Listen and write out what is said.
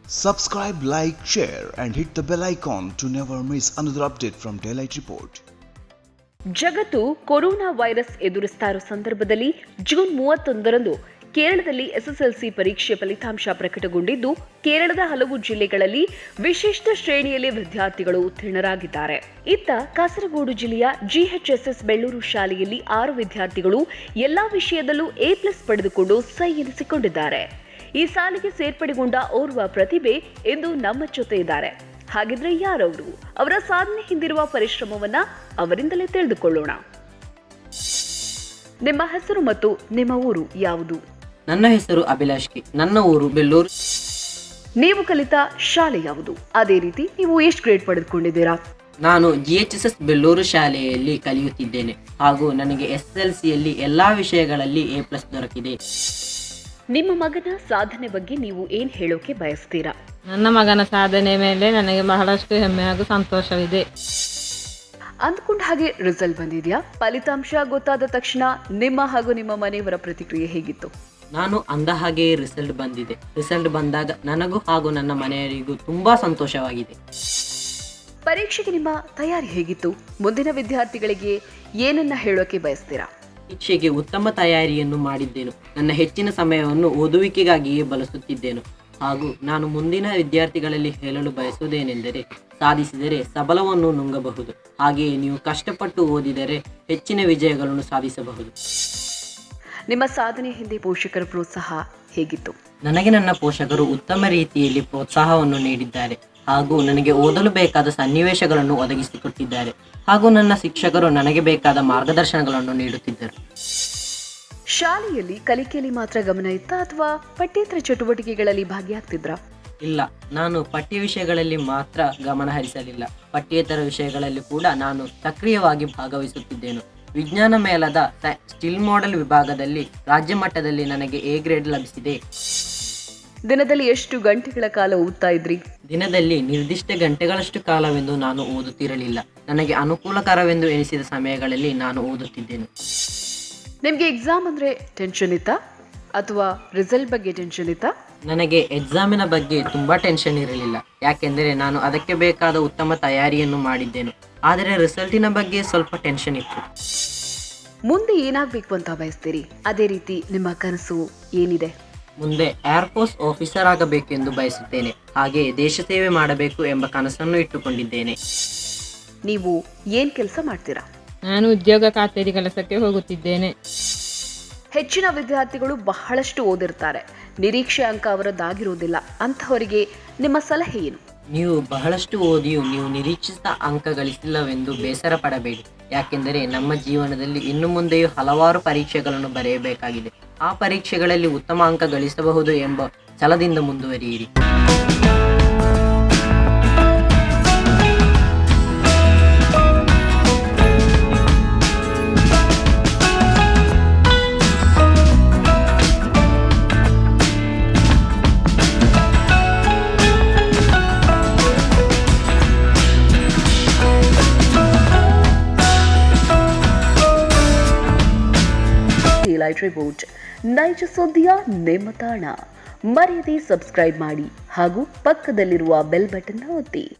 Subscribe, like, share and hit the bell icon to never miss another update from Daylight Report. ಜಗತ್ತು corona virus ಎದುರಿಸ್ತಾ ಇರೋ ಸಂದರ್ಭದಲ್ಲಿ June 31ರಂದು ಕೇರಳದಲ್ಲಿ SSLC ಪರೀಕ್ಷೆ ಫಲಿತಾಂಶ ಪ್ರಕಟಗೊಂಡಿದ್ದು, ಕೇರಳದ ಹಲವು ಜಿಲ್ಲೆಗಳಲ್ಲಿ ವಿಶಿಷ್ಟ ಶ್ರೇಣಿಯಲ್ಲಿ ವಿದ್ಯಾರ್ಥಿಗಳು ಉತ್ತೀರ್ಣರಾಗಿದ್ದಾರೆ. ಇತ್ತ ಕಾಸರಗೋಡು ಜಿಲ್ಲೆಯ ಜಿಎಚ್ಎಸ್ಎಸ್ ಬೆಳ್ಳೂರು ಶಾಲೆಯಲ್ಲಿ 6 ವಿದ್ಯಾರ್ಥಿಗಳು ಎಲ್ಲಾ ವಿಷಯದಲ್ಲೂ A+ ಪಡೆದುಕೊಂಡು ಸೈ ಎನಿಸಿಕೊಂಡಿದ್ದಾರೆ. ಈ ಸಾಲಿಗೆ ಸೇರ್ಪಡೆಗೊಂಡ ಓರ್ವ ಪ್ರತಿಭೆ ಇಂದು ನಮ್ಮ ಜೊತೆ ಇದ್ದಾರೆ. ಹಾಗಿದ್ರೆ ಯಾರವರು? ಅವರ ಸಾಧನೆ ಹಿಂದಿರುವ ಪರಿಶ್ರಮವನ್ನ ಅವರಿಂದಲೇ ತಿಳಿದುಕೊಳ್ಳೋಣ. ನಿಮ್ಮ ಹೆಸರು ಮತ್ತು ನಿಮ್ಮ ಊರು ಯಾವುದು? ನನ್ನ ಹೆಸರು ಅಭಿಲಾಷ್ ಕೆ. ನನ್ನ ಊರು ಬೆಳ್ಳೂರು. ನೀವು ಕಲಿತ ಶಾಲೆ ಯಾವುದು? ಅದೇ ರೀತಿ ನೀವು ಎಷ್ಟು ಗ್ರೇಡ್ ಪಡೆದುಕೊಂಡಿದ್ದೀರಾ? ನಾನು ಜಿಎಚ್ಎಸ್ಎಸ್ ಬೆಳ್ಳೂರು ಶಾಲೆಯಲ್ಲಿ ಕಲಿಯುತ್ತಿದ್ದೇನೆ ಹಾಗೂ ನನಗೆ SSLCಯಲ್ಲಿ ಎಲ್ಲಾ ವಿಷಯಗಳಲ್ಲಿ A+ ದೊರಕಿದೆ. ನಿಮ್ಮ ಮಗನ ಸಾಧನೆ ಬಗ್ಗೆ ನೀವು ಏನ್ ಹೇಳೋಕೆ ಬಯಸ್ತೀರಾ? ನನ್ನ ಮಗನ ಸಾಧನೆ ಮೇಲೆ ನನಗೆ ಬಹಳಷ್ಟು ಹೆಮ್ಮೆ ಹಾಗೂ ಸಂತೋಷವಿದೆ. ಅಂದ್ಕೊಂಡ ಹಾಗೆ ರಿಸಲ್ಟ್ ಬಂದಿದ್ಯಾ? ಫಲಿತಾಂಶ ಗೊತ್ತಾದ ತಕ್ಷಣ ನಿಮ್ಮ ಹಾಗೂ ನಿಮ್ಮ ಮನೆಯವರ ಪ್ರತಿಕ್ರಿಯೆ ಹೇಗಿತ್ತು? ನಾನು ಅಂದ ಹಾಗೆ ರಿಸಲ್ಟ್ ಬಂದಿದೆ. ರಿಸಲ್ಟ್ ಬಂದಾಗ ನನಗೂ ಹಾಗೂ ನನ್ನ ಮನೆಯವರಿಗೂ ತುಂಬಾ ಸಂತೋಷವಾಗಿದೆ. ಪರೀಕ್ಷೆಗೆ ನಿಮ್ಮ ತಯಾರಿ ಹೇಗಿತ್ತು? ಮುಂದಿನ ವಿದ್ಯಾರ್ಥಿಗಳಿಗೆ ಏನನ್ನ ಹೇಳೋಕೆ ಬಯಸ್ತೀರಾ? ಪರೀಕ್ಷೆಗೆ ಉತ್ತಮ ತಯಾರಿಯನ್ನು ಮಾಡಿದ್ದೇನು. ನನ್ನ ಹೆಚ್ಚಿನ ಸಮಯವನ್ನು ಓದುವಿಕೆಗಾಗಿಯೇ ಬಳಸುತ್ತಿದ್ದೇನು ಹಾಗೂ ನಾನು ಮುಂದಿನ ವಿದ್ಯಾರ್ಥಿಗಳಲ್ಲಿ ಹೇಳಲು ಬಯಸುವುದೇನೆಂದರೆ, ಸಾಧಿಸಿದರೆ ಸಬಲವನ್ನು ನುಂಗಬಹುದು. ಹಾಗೆಯೇ ನೀವು ಕಷ್ಟಪಟ್ಟು ಓದಿದರೆ ಹೆಚ್ಚಿನ ವಿಜಯಗಳನ್ನು ಸಾಧಿಸಬಹುದು. ನಿಮ್ಮ ಸಾಧನೆ ಹಿಂದೆ ಪೋಷಕರ ಪ್ರೋತ್ಸಾಹ ಹೇಗಿತ್ತು? ನನಗೆ ನನ್ನ ಪೋಷಕರು ಉತ್ತಮ ರೀತಿಯಲ್ಲಿ ಪ್ರೋತ್ಸಾಹವನ್ನು ನೀಡಿದ್ದಾರೆ ಹಾಗೂ ನನಗೆ ಓದಲು ಬೇಕಾದ ಸನ್ನಿವೇಶಗಳನ್ನು ಒದಗಿಸಿಕೊಟ್ಟಿದ್ದಾರೆ ಹಾಗೂ ನನ್ನ ಶಿಕ್ಷಕರು ನನಗೆ ಬೇಕಾದ ಮಾರ್ಗದರ್ಶನಗಳನ್ನು ನೀಡುತ್ತಿದ್ದರು. ಶಾಲೆಯಲ್ಲಿ ಕಲಿಕೆಯಲ್ಲಿ ಮಾತ್ರ ಗಮನ ಇತ್ತಾ ಅಥವಾ ಪಠ್ಯೇತರ ಚಟುವಟಿಕೆಗಳಲ್ಲಿ ಭಾಗಿಯಾಗ್ತಿದ್ರಾ? ಇಲ್ಲ, ನಾನು ಪಠ್ಯ ವಿಷಯಗಳಲ್ಲಿ ಮಾತ್ರ ಗಮನ ಹರಿಸಲಿಲ್ಲ. ಪಠ್ಯೇತರ ವಿಷಯಗಳಲ್ಲಿ ಕೂಡ ನಾನು ಸಕ್ರಿಯವಾಗಿ ಭಾಗವಹಿಸುತ್ತಿದ್ದೇನೆ. ವಿಜ್ಞಾನ ಮೇಳದ ಸ್ಟಿಲ್ ಮಾಡೆಲ್ ವಿಭಾಗದಲ್ಲಿ ರಾಜ್ಯ ಮಟ್ಟದಲ್ಲಿ ನನಗೆ A ಗ್ರೇಡ್ ಲಭಿಸಿದೆ. ದಿನದಲ್ಲಿ ಎಷ್ಟು ಗಂಟೆಗಳ ಕಾಲ ಓದ್ತಾ ಇದ್ರಿ? ದಿನದಲ್ಲಿ ನಿರ್ದಿಷ್ಟ ಗಂಟೆಗಳಷ್ಟು ಕಾಲವೆಂದು ನಾನು ಓದುತ್ತಿರಲಿಲ್ಲ. ನನಗೆ ಅನುಕೂಲಕರವೆಂದು ಎನಿಸಿದ ಸಮಯಗಳಲ್ಲಿ ನಾನು ಓದುತ್ತಿದ್ದೇನೆ. ನಿಮ್ಗೆ ಎಕ್ಸಾಮ್ ಅಂದ್ರೆ ಟೆನ್ಷನ್ ಇತ್ತಾ ಅಥವಾ ರಿಸಲ್ಟ್ ಬಗ್ಗೆ ಟೆನ್ಷನ್ ಇತ್ತಾ? ನನಗೆ ಎಕ್ಸಾಮಿನ ಬಗ್ಗೆ ತುಂಬಾ ಟೆನ್ಷನ್ ಇರಲಿಲ್ಲ, ಯಾಕೆಂದರೆ ನಾನು ಅದಕ್ಕೆ ಬೇಕಾದ ಉತ್ತಮ ತಯಾರಿಯನ್ನು ಮಾಡಿದ್ದೇನೆ. ಆದರೆ ರಿಸಲ್ಟಿನ ಬಗ್ಗೆ ಸ್ವಲ್ಪ ಟೆನ್ಷನ್ ಇತ್ತು. ಮುಂದೆ ಏನಾಗಬೇಕು ಅಂತ ಬಯಸ್ತೀರಿ? ಅದೇ ರೀತಿ ನಿಮ್ಮ ಕನಸು ಏನಿದೆ? ಮುಂದೆ ಏರ್ಫೋರ್ಸ್ ಆಫೀಸರ್ ಆಗಬೇಕೆಂದು ಬಯಸುತ್ತೇನೆ. ಹಾಗೆ ದೇಶ ಸೇವೆ ಮಾಡಬೇಕು ಎಂಬ ಕನಸನ್ನು ಇಟ್ಟುಕೊಂಡಿದ್ದೇನೆ. ನೀವು ಏನ್ ಕೆಲಸ ಮಾಡ್ತೀರಾ? ನಾನು ಉದ್ಯೋಗ ಖಾತರಿ ಕೆಲಸಕ್ಕೆ ಹೋಗುತ್ತಿದ್ದೇನೆ. ಹೆಚ್ಚಿನ ವಿದ್ಯಾರ್ಥಿಗಳು ಬಹಳಷ್ಟು ಓದಿರ್ತಾರೆ, ನಿರೀಕ್ಷೆ ಅಂಕ ಅವರದ್ದಾಗಿರುವುದಿಲ್ಲ. ಅಂತಹವರಿಗೆ ನಿಮ್ಮ ಸಲಹೆ ಏನು? ನೀವು ಬಹಳಷ್ಟು ಓದಿಯೂ ನೀವು ನಿರೀಕ್ಷಿತ ಅಂಕ ಗಳಿಸಿಲ್ಲವೆಂದು ಬೇಸರ ಪಡಬೇಡಿ. ಯಾಕೆಂದರೆ ನಮ್ಮ ಜೀವನದಲ್ಲಿ ಇನ್ನು ಮುಂದೆಯೂ ಹಲವಾರು ಪರೀಕ್ಷೆಗಳನ್ನು ಬರೆಯಬೇಕಾಗಿದೆ. ಆ ಪರೀಕ್ಷೆಗಳಲ್ಲಿ ಉತ್ತಮ ಅಂಕ ಗಳಿಸಬಹುದು ಎಂಬ ಛಲದಿಂದ ಮುಂದುವರಿಯಿರಿ. ಡೇಲೈಟ್ ರಿಪೋರ್ಟ್, ನೈಜ ಸುದ್ದಿಯ ನಿಮ್ಮ ತಾಣ. ಮರೆಯದೆ ಸಬ್ಸ್ಕ್ರೈಬ್ ಮಾಡಿ ಹಾಗೂ ಪಕ್ಕದಲ್ಲಿರುವ ಬೆಲ್ ಬಟನ್ ಒತ್ತಿ.